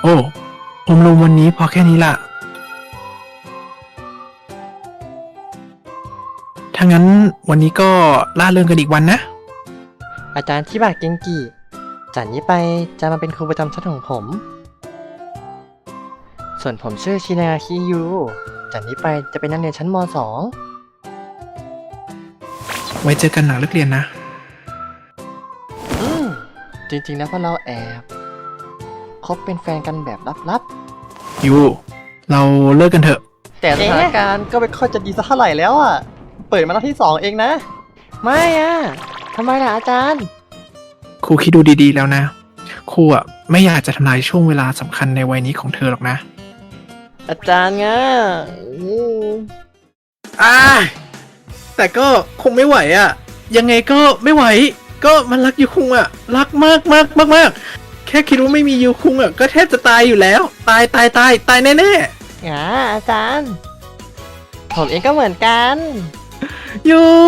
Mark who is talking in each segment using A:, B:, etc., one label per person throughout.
A: โอ้ผมลงวันนี้พอแค่นี้ล่ะถ้างั้นวันนี้ก็ล่าเริงกันอีกวันนะ
B: อาจารย์ชิบะเกงกิจากนี้ไปจะมาเป็นครูประจำชั้นของผม ส่วนผมชื่อชินาคิยูจากนี้ไปจะเป็นนักเรียนชั้นม .2
A: ไว้เจอกันหลังเลิกเรียนนะ
B: จริงๆแล้วพวกเราแอบคบเป็นแฟนกันแบบลับ
A: ยูเราเลิกกันเถอะ
B: ๆ แต่สถานการณ์ก็ไม่ค่อยจะดีสักเท่าไหร่แล้วอ่ะ เปิดมาหน้าที่ 2 เองนะ ไม่อ่ะทำไมล่ะอาจารย์
A: ครูคิดดูดีๆแล้วนะ ครูอ่ะไม่อยากจะทำลายช่วงเวลาสำคัญในวัยนี้ของเธอหรอกนะ
B: อาจารย์งะ
A: แต่ก็คงไม่ไหวอ่ะ ยังไงก็ไม่ไหว ก็มันรักยูคุงอ่ะ รักมากมากมากมากแค่คิดว่าไม่มียูคุงอ่ะก็แทบจะตายอยู่แล้ว ตายแน่
B: อาจารย์ ผมเองก็เหมือนกัน
A: ๆยู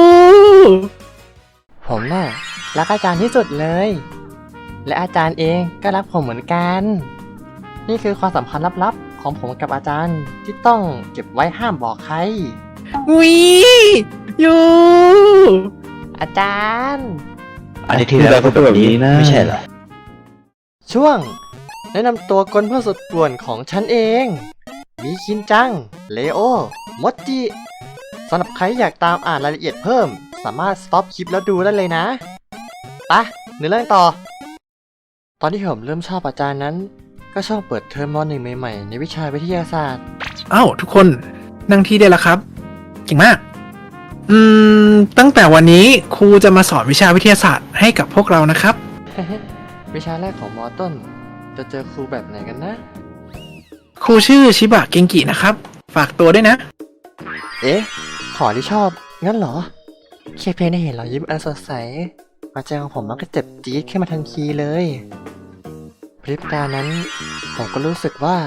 B: ผมน่ะรักอาจารย์ที่สุดเลย และอาจารย์เองก็รักผมเหมือนกัน นี่คือความสัมพันธ์ลับๆของผมกับอาจารย์ที่ต้องเก็บไว้ห้ามบอกใคร
A: วิยู
B: อาจารย์
C: อันนี้ที่แล้วก็เป็นแบบนี้นะไม่ใช่เหรอ
B: ช่วง แนะนำตัวกลเพื่อนสุดป่วนของฉันเอง มีคินจัง เลโอ มดจิสำหรับใครอยากตามอ่านรายละเอียดเพิ่ม สามารถสต็อปคลิปแล้วดูได้เลยนะไปะเนื้อเรื่องต่อ ตอนที่ผมเริ่มชอบอาจารย์นั้น ก็ช่วงเปิดเทอมม .1 ใหม่ๆในวิชาวิทยาศาสตร์
A: เอ้าทุกคนนั่งที่ได้แล้วครับเก่งมาก ตั้งแต่วันนี้ครูจะมาสอนวิชาวิทยาศาสตร์ให้กับพวกเรานะครับ
B: วิชาแรกของมต้น จะเจอครูแบบไหนกันนะ
A: ครูชื่อชิบะเกงกินะครับ ฝากตัวด้วยนะ
B: เอ๊ะ ขอที่ชอบ งั้นเหรอแค่เพียงได้เห็นรอยยิ้มอันสดใสหัวใจของผมมันก็เจ็บจี๊ดขึ้นมาทันทีเลยพริบตานั้น ผมก็รู้สึกว่า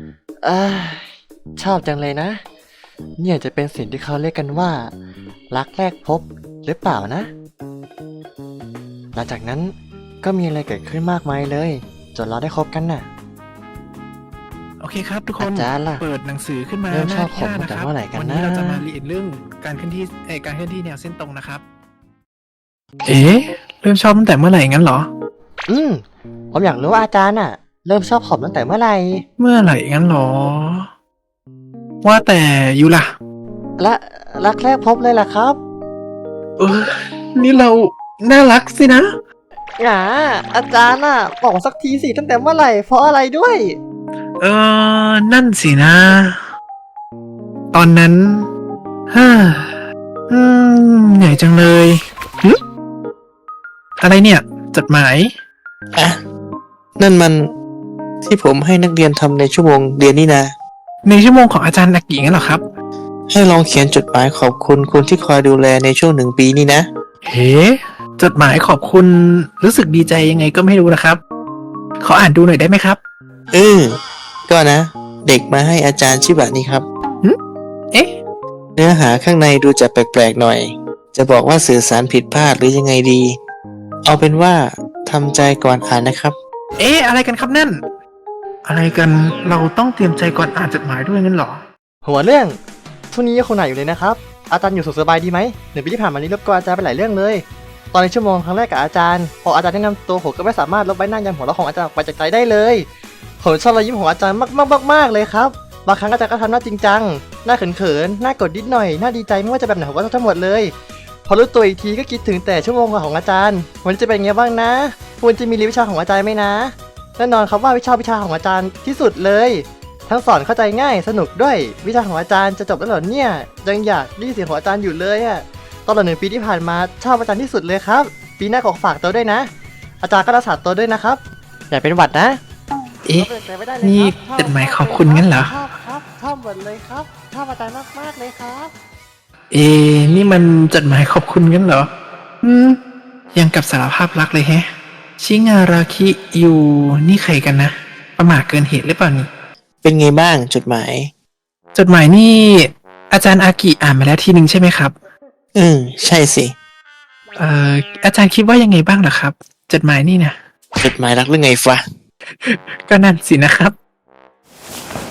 B: ชอบจังเลยนะ เนี่ยจะเป็นสิ่งที่เขาเรียกกันว่า รักแรกพบหรือเปล่านะ หลังจากนั้นก็มีอะไรเกิดขึ้นมากมายเลย จนเราได้คบกันน่ะ
A: โอเคครับทุกคน
B: อาจารย์ล่ะ
A: เปิดหนังสือขึ้นมา
B: เริ่ม
A: ห
B: ช
A: น้า
B: อบ
A: ที่
B: ผม
A: 5
B: ตั้งแต่
A: นะครับ
B: เมื่อไหร่กันนะ
A: วันี้เราจะมาเรียนเรื่องการเคลื่อนที่แนวเส้นตรงนะครับ เอ๊ะเริ่มชอบตั้งแต่เมื่อไหร่งั้นเหรอ
B: ผมอยากรู้ว่าอาจารย์น่ะ เริ่มชอบผมตั้งแต่เมื่อไหร่
A: เมื่อไหร่งั้นเหรอ ว่าแต่ยูล่ะ
B: และรักแรกพบเลยล่ะครับ
A: นี่เราน่ารักสินะ
B: อาจารย์น่ะบอกสักทีสิตั้งแต่เมื่อไหร่เพราะอะไรด้วย
A: นั่นสินะ ตอนนั้นฮ่าเหนื่อยจังเลยหึอะไรเนี่ย จดหมาย
C: อ่ะ นั่นมันที่ผมให้นักเรียนทำในชั่วโมงเรียนนี่นะ
A: ในชั่วโมงของอาจารย์อากิงั้นเหรอครับ
C: ให้ลองเขียนจดหมายขอบคุณคนที่คอยดูแลในช่วง1 ปีนี่นะ
A: เฮ้จดหมายขอบคุณรู้สึกดีใจยังไงก็ไม่รู้นะครับ ขออ่านดูหน่อยได้ไหมครับ
C: ก็นะ เด็กมาให้อาจารย์ชิบะนี่ครับ
A: เอ๊ะ
C: เนื้อหาข้างในดูจะแปลกๆหน่อย จะบอกว่าสื่อสารผิดพลาดหรือยังไงดี เอาเป็นว่าทำใจก่อนอ่านนะครับ
A: เอ๊ะอะไรกันครับนั่น อะไรกันเราต้องเตรียมใจก่อนอ่านจดหมายด้วยงั้นเหรอ
B: หัวเรื่องช่วงนี้ยังคงหนักอยู่เลยนะครับ อาจารย์อยู่สุขสบายดีไหม1 ปีที่ผ่านมานี้รบกวนอาจารย์ไปหลายเรื่องเลย ตอนในชั่วโมงครั้งแรกกับอาจารย์พออาจารย์แนะนำตัวผมก็ไม่สามารถลบใบหน้ายันหัวเราะของอาจารย์ออกไปจากใจได้เลยผมชอบรอยยิ้มของอาจารย์มากๆเลยครับบางครั้งอาจารย์ก็ทำหน้าจริงจังหน้าเขินๆหน้ากดนิดหน่อยหน้าดีใจไม่ว่าจะแบบไหนผมก็ชอบทั้งหมดเลยพอรู้ตัวอีกทีก็คิดถึงแต่ชั่วโมงของอาจารย์วันนี้จะเป็นไงบ้างนะควรจะมีเรียนวิชาของอาจารย์ไหมนะแน่นอนครับว่าวิชาของอาจารย์ที่สุดเลยทั้งสอนเข้าใจง่ายสนุกด้วยวิชาของอาจารย์จะจบแล้วเหรอเนี่ยยังอยากได้ยินเสียงของอาจารย์อยู่เลยอะตลอด1 ปีที่ผ่านมาชอบอาจารย์ที่สุดเลยครับปีหน้าขอฝากตัวด้วยนะอาจารย์ก็รักษาตัวด้วยนะครับอย่าเป็นหวัดนะ
A: เอ๊ะ นี่จดหมายขอบคุณงั้นเหรอ
B: ชอบครับชอบหมดเลยครับชอบอาจารย์มากๆเลยครับ
A: เอ๊ะนี่มันจดหมายขอบคุณงั้นเหรอ ยังกับสารภาพรักเลยแฮะ ชิงาราคิอยู่นี่ใครกันนะ ประมาทเกินเหตุหรือเปล่านี่
C: เป็นไงบ้างจดหมาย
A: จดหมายนี่ อาจารย์อากิอ่านมาแล้วทีหนึ่งใช่ไหมครับ
C: ใช่สิ
A: อาจารย์คิดว่ายังไงบ้างล่ะครับ จดหมายนี่นะ
C: จดหมายรักหรือไงฟะ
A: ก็นั่นสินะครับ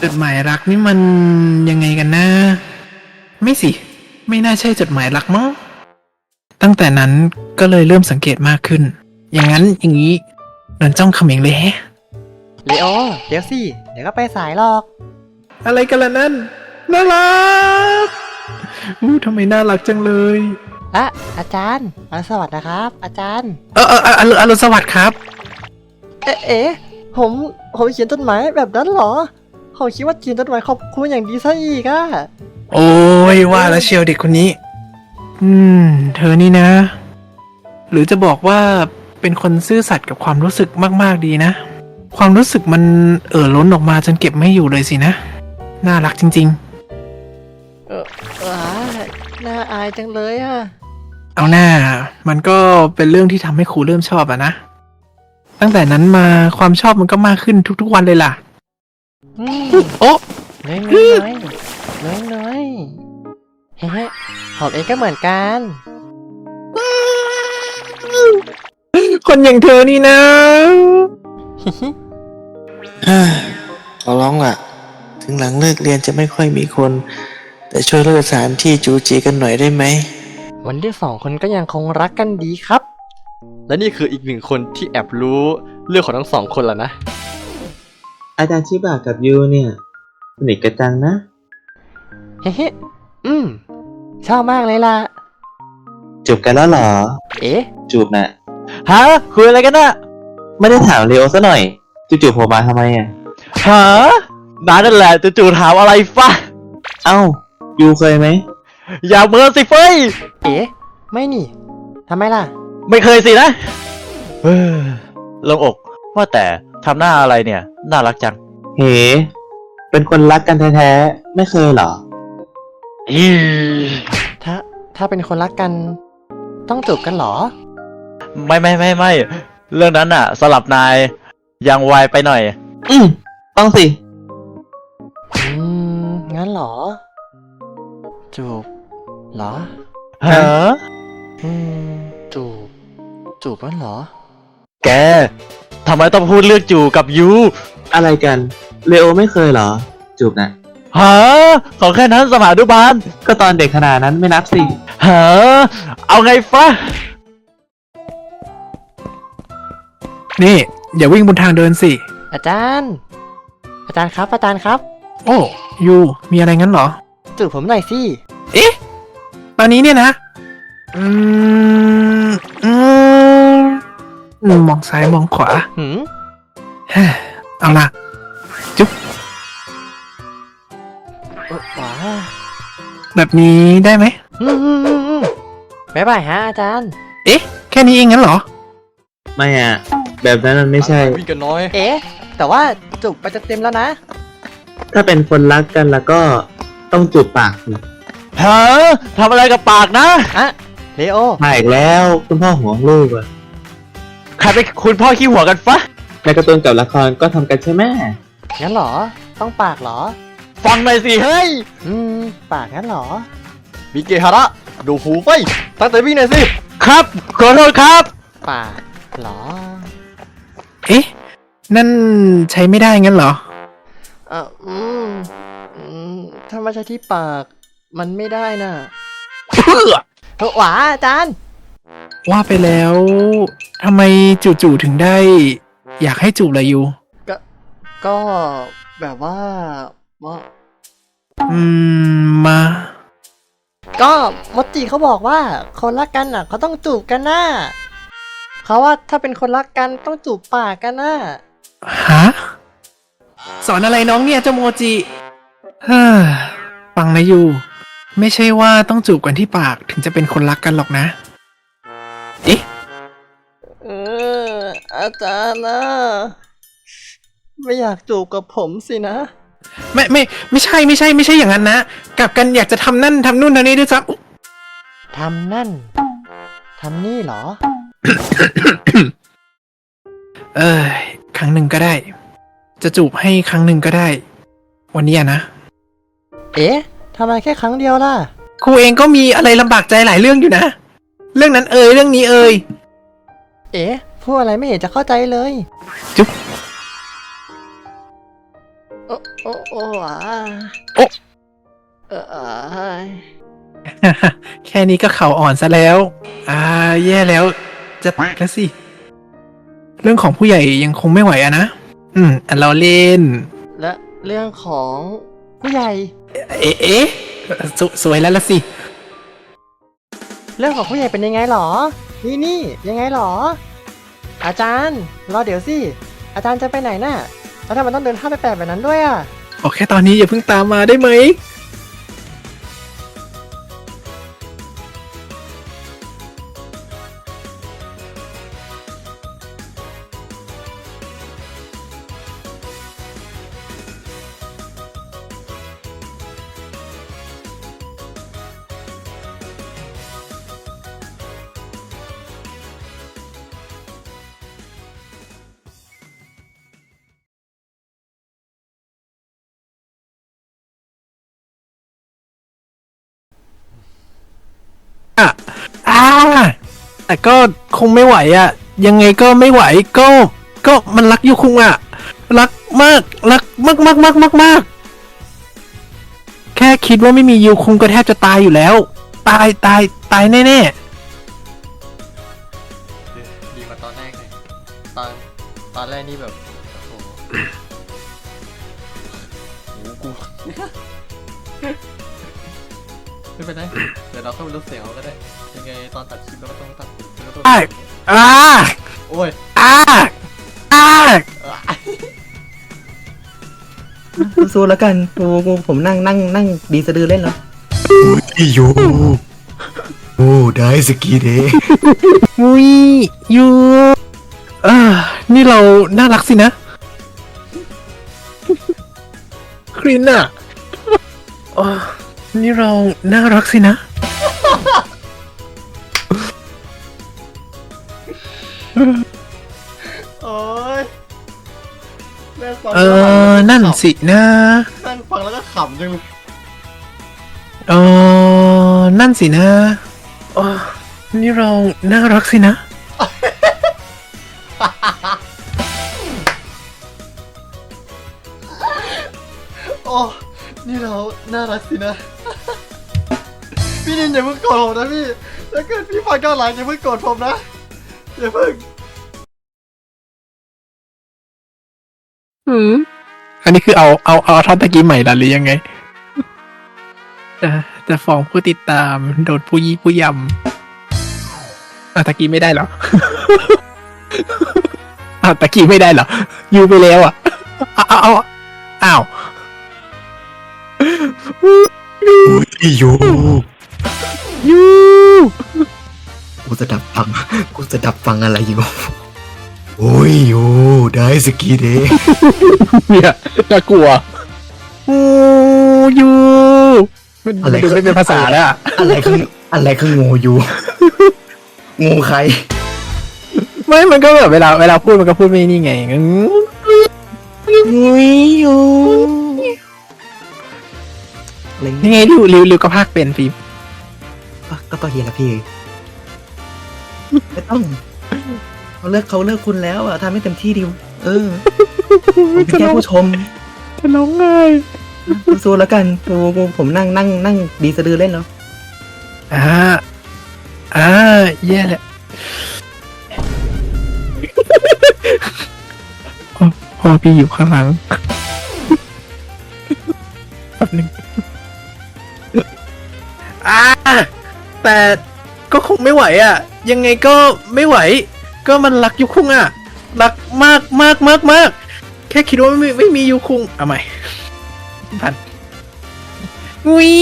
A: จดหมายรักนี่มันยังไงกันนะไม่สิ ไม่น่าใช่จดหมายรักมั้งตั้งแต่นั้นก็เลยเริ่มสังเกตมากขึ้น อย่างนั้นอย่างนี้นอนจ้องเขม็งเลยแฮะ
B: เลโอ เดี๋ยวสิ เดี๋ยวก็ไปสายหรอก
A: อะไรกันล่ะนั่นน่ารักทำไมน่ารักจังเลย
B: อะอาจารย์สวัสดีนะครับ อาจารย์
A: อรุณสวัสดิ์ครับ
B: เอ๊ะผมเขียนจดหมายแบบนั้นเหรอผมคิดว่าเขียนจดหมายขอบคุณอย่างดีซะอีกอะ
A: โอ้ยว่าแล้วเชียวเด็กคนนี้ เธอนี่นะ หรือจะบอกว่าเป็นคนซื่อสัตย์กับความรู้สึกมากๆดีนะ ความรู้สึกมันล้นออกมาจนเก็บไม่อยู่เลยสินะ น่ารักจริง
B: น่าอายจังเลยอะ
A: ๆ เอาหน้า มันก็เป็นเรื่องที่ทำให้ครูเริ่มชอบอะนะ ตั้งแต่นั้นมาความชอบมันก็มากขึ้นทุกๆวันเลยล่ะ โอ้
B: น้อยเฮ้ผมเองก็เหมือนกัน
A: คนอย่างเธอนี่นะ
C: ขอร้องล่ะ ถึงหลังเลิกเรียนจะไม่ค่อยมีคน แต่ช่วยเลิกสถานที่จูจีกันหน่อยได้ไหม
B: วันที่สองคนก็ยังคงรักกันดีครับ และนี่คืออีกหนึ่งคนที่แอบรู้เรื่องของทั้งสองคนแล้วนะ
C: อาจารย์ชิบะกับยูเนี่ยสนิทกันจังนะ
B: เฮ้ชอบมากเลยล่ะ
C: จูบกันแล้วเหรอ
B: เอ๊ะ
C: จูบน่ะ
B: ฮะคุยอะไรกันน่ะ
C: ไม่ได้ถามเลโอซะหน่อยจู่ๆโผล่มาทำไมอ่ะ
B: ฮะนั่นแหละจู่ๆถามอะไรฟะ
C: เอ้า ยูเคยไหม
B: อย่าเมินสิเฟ้ย เอ๊ะ ไม่นี่ทำไมล่ะ
D: ไม่เคยสินะลงอกว่าแต่ทำหน้าอะไรเนี่ย น่ารักจัง
C: เฮ้เป็นคนรักกันแท้ๆ ไม่เคยเหรอ
B: ถ้าเป็นคนรักกัน ต้องจูบกันเหรอ
D: ไม่เรื่องนั้นอะสลับนายยังไวไปหน่อย
C: ต้องสิ
B: งั้นเหรอ จูบเหรอ
D: ฮะ
B: จูบนั่นเหรอ
D: แกทำไมต้องพูดเรื่องจูกับยู
C: อะไรกัน เลโอไม่เคยเหรอ จูบนะ
D: ฮะของแค่นั้นสมานุบาล
C: ก็ตอนเด็กขนาดนั้นไม่นับสิ
D: ฮะเอาไงฟะ
A: นี่อย่าวิ่งบนทางเดินสิ
B: อาจารย์ครับ อาจารย์ครับ
A: โอ้ยูมีอะไรงั้นเหรอ
B: จูบผมหน่อยสิ
A: เอ๊ะ ตอนนี้เนี่ยนะ มองซ้ายมองขวา เอาล่ะ จุ๊บ
B: ว้า
A: แบบนี้ได้ไหม
B: บ๊ายบายฮะอาจารย์
A: เอ๊ะ แค่นี้เองงั้นเหรอ
C: ไม่อ่ะ แบบนั้นมันไม่ใช่
D: วิ่งกันน้อย
B: เอ๊ะ แต่ว่าจูบไปจะเต็มแล้วนะ
C: ถ้าเป็นคนรักกันแล้วก็ต้องจูบปากสิ
D: ฮะทำอะไรกับปากนะ
B: อะเลโอ
C: มาอีกแล้วคุณพ่อห่วงลูกอะ
D: ใครเป็นคุณพ่อขี้หัวกันฟะ
C: ในการ์ตูนกับละครก็ทำกันใช่ไหม
B: งั้นเหรอ ต้องปากเหรอ
D: ฟังหน่อยสิเฮ้ย
B: ปากงั้นเหรอ
D: มิเกฮาระดูหูไปตั้งแต่วิ่งหน่อยสิ ครับขอโทษครับ
B: ปากเหรอ
A: เอ๊ะ นั่นใช้ไม่ได้งั้นเหรอ
B: ถ้าไม่ใช่ที่ปาก มันไม่ได้น่ะ
A: เพื่อ
B: หวาอาจารย์
A: ว่าไปแล้วทำไมจู่ๆถึงได้ อยากให้จูบล่ะยู
B: ก็แบบว่า
A: มา
B: ก็มดจิเขาบอกว่า คนรักกันน่ะเขาต้องจูบกันน่ะเขาว่าถ้าเป็นคนรักกันต้องจูบปากกันน่ะ
A: ฮะ สอนอะไรน้องเนี่ยเจ้าโมจิฟังนะยู ไม่ใช่ว่าต้องจูบกันที่ปากถึงจะเป็นคนรักกันหรอกนะ เอ๊ะ
B: อาจารย์นะไม่อยากจูบกับผมสินะ
A: ไม่ใช่อย่างนั้นนะกลับกันอยากจะทำนั่นทำนู่นทำนี่ด้วยซ้ำ
B: ทำนั่น ทำนี่เหรอ
A: ครั้งหนึ่งก็ได้ จะจูบให้ครั้งหนึ่งก็ได้ วันนี้นะ
B: เอ๊ะทำไมแค่ครั้งเดียวล่ะ
A: ครูเองก็มีอะไรลำบากใจหลายเรื่องอยู่นะ เรื่องนั้นเรื่องนี้
B: เอ๊ะพูดอะไรไม่เห็นจะเข้าใจเลย
A: จุ๊บ
B: โอ้โอ้โอ้อ่ะ
A: โอ๊ะ
B: อ่า
A: แค่นี้ก็เข่าอ่อนซะแล้ว แย่แล้ว จะตายแล้วสิ เรื่องของผู้ใหญ่ยังคงไม่ไหวอะนะ เราเล่น
B: และเรื่องของผู้ใหญ่
A: เอ๊ะสวยแล้วละสิ
B: เรื่องของผู้ใหญ่เป็นยังไงหรอ นี่ยังไงหรอ อาจารย์รอเดี๋ยวสิ อาจารย์จะไปไหนน่ะแล้วทำไมต้องเดินท่าไปแปลกแบบนั้นด้วยอ่ะ
A: โอเคตอนนี้อย่าเพิ่งตามมาได้ไหม แต่ก็คงไม่ไหวอะยังไงก็ไม่ไหวก็มันรักยูคุงอะรักมากรักมากแค่คิดว่าไม่มียูคุงก็แทบจะตายอยู่แล้ว ตายแน่
B: ดีกว่าตอนแรกเลยตอนแรกนี่แบบ โอ้โหกู ไม่เป็นไรเดี๋ยวเราเข้าไปลดเสียงเอาก็ได้ ยังไงตอนตัดคลิปเราก็ต้องตัดแล้วก็ต้อง
A: ๆ
B: โอ้ย
E: สู้ๆแล้วกันผมนั่งดีสะดือเล่นแล้ว
C: อยู่โอ้ได้สกีเดย์
A: มุยยูนี่เราน่ารักสินะ ครินอะนี่เราน่ารักสินะ
B: โอ้ยแม่งฟัง
A: นั่นสินะ
B: แม่งฟังแล้วก็ขำจังเลย
A: นั่นสินะนี่เราน่ารักสินะ
B: โอ้นี่เราน่ารักสินะ พี่นินอย่าเพิ่งโกรธผมนะพี่ถ้าเกิดพี่ฟังย้อนหลังอย่าเพิ่งโกรธผมนะอย่าเพิ่ง
A: อันนี้คือเอาท่อนตะกี้ใหม่ละหรือยังไง จะฟ้องผู้ติดตามโดนผู้ยี่ผู้ยำตะกี้ไม่ได้เหรอ ตะกี้ไม่ได้เหรอยูไปแล้วอ้าว
C: อยู่
A: ยู
E: กูจะดับฟังอะไรอยู่ โอ้ยอยู่ได้สกีเดย์
A: เนี่ยน่ากลัวยูมันดูไม่เป็นภาษาแล้วอะ
E: อะไรคืองูอยู่ งูใคร
A: ไม่มันก็แบบเวลาพูดมันก็พูดไม่นี่ไงงูยู
E: อะไร
A: ยังไงริวก็พากเป็นฟิล์ม
E: ก็เฮียละพี่ไม่ต้องเขาเลิกคุณแล้วอ่ะทำให้เต็มที่ดิวผมเป็นแค่ผู้ชม
A: จะร้องไห้
E: สู้ๆแล้วกันผมนั่งดีสะดือเล่นแล้ว
A: แย่แหละพ่อพี่อยู่ข้างหลังแป๊บนึงแต่ก็คงไม่ไหวอ่ะ ยังไงก็ไม่ไหว ก็มันรักยูคุงอ่ะ รักมากแค่คิดว่าไม่มียูคุงเอาใหม่พันวิ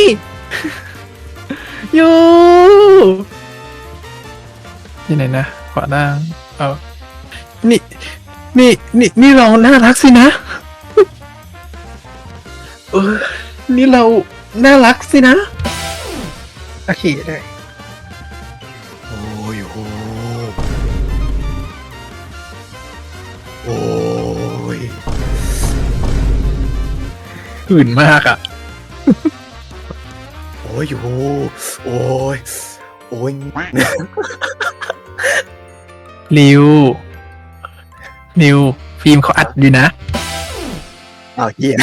A: ยูที่ไหนนะขวาล่างนี่เราน่ารักสินะนี่เราน่ารักสินะโอเคได้
C: โอ้ยโอ้ย
A: หื่นมากอ่ะ
C: โอ้ยโอ้ย
A: ริวฟิล์มเขาอัดอยู่นะ
E: อ้าวเหี้ย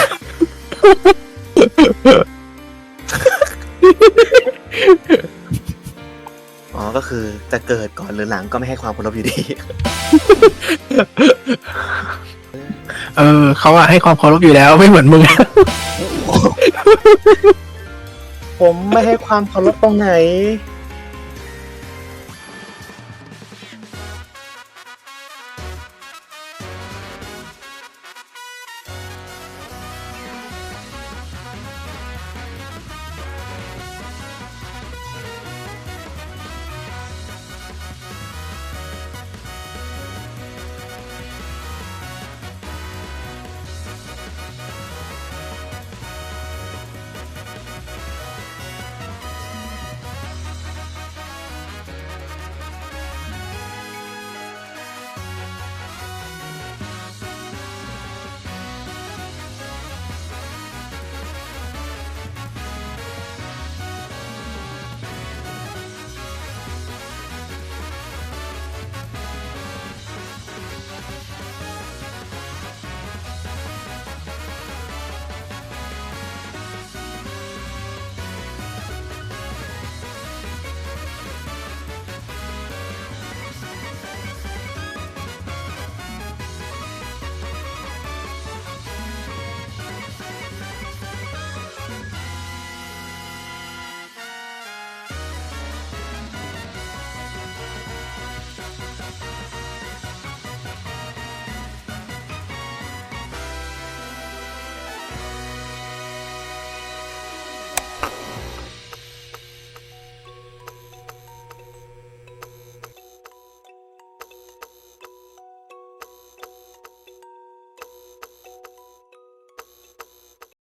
E: อ๋อก็คือจะเกิดก่อนหรือหลังก็ไม่ให้ความเคารพอยู่ดี
A: เขาอะให้ความเคารพอยู่แล้วไม่เหมือนมึง
E: ผมไม่ให้ความเคารพตรงไหน